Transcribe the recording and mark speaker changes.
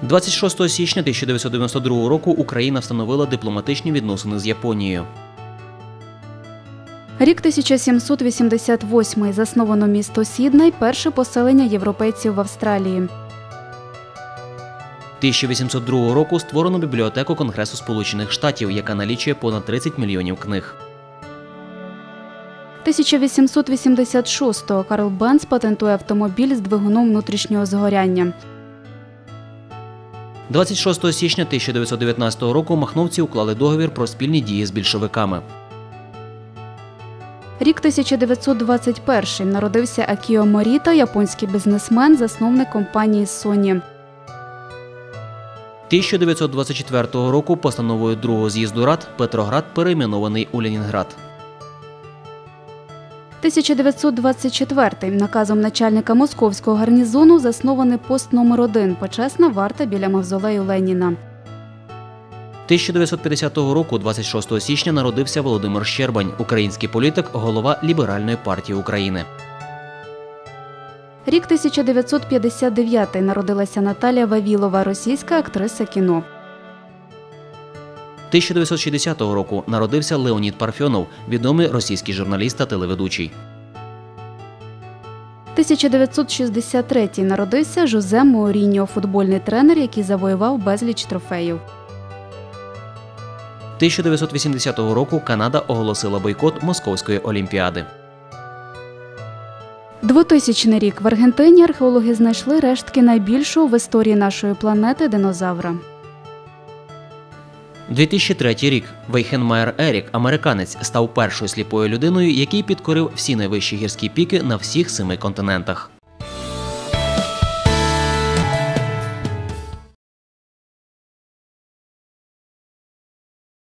Speaker 1: 26 січня 1992 року Україна встановила дипломатичні відносини з Японією.
Speaker 2: Рік 1788. Засновано місто Сідней – перше поселення європейців в Австралії.
Speaker 1: 1802 року створено бібліотеку Конгресу Сполучених Штатів, яка налічує понад 30 мільйонів книг.
Speaker 2: 1886. Карл Бенц патентує автомобіль з двигуном внутрішнього згоряння.
Speaker 1: 26 січня 1919 року махновці уклали договір про спільні дії з більшовиками.
Speaker 2: Рік 1921. Народився Акіо Моріта, японський бізнесмен, засновник компанії Sony.
Speaker 1: 1924 року постановою Другого з'їзду Рад Петроград перейменований у Ленінград.
Speaker 2: 1924. Наказом начальника московського гарнізону заснований пост номер 1 – почесна варта біля мавзолею Леніна.
Speaker 1: 1950 року, 26 січня, народився Володимир Щербань, український політик, голова Ліберальної партії України.
Speaker 2: Рік 1959. Народилася Наталія Вавілова, російська актриса кіно.
Speaker 1: 1960 року народився Леонід Парфьонов, відомий російський журналіст та телеведучий.
Speaker 2: 1963. Народився Жозе Моуріньо, футбольний тренер, який завоював безліч трофеїв.
Speaker 1: 1980 року Канада оголосила бойкот Московської олімпіади.
Speaker 2: 2000 рік. В Аргентині археологи знайшли рештки найбільшого в історії нашої планети динозавра.
Speaker 1: 2003 рік. Вейхенмаєр Ерік, американець, став першою сліпою людиною, який підкорив всі найвищі гірські піки на всіх 7 континентах.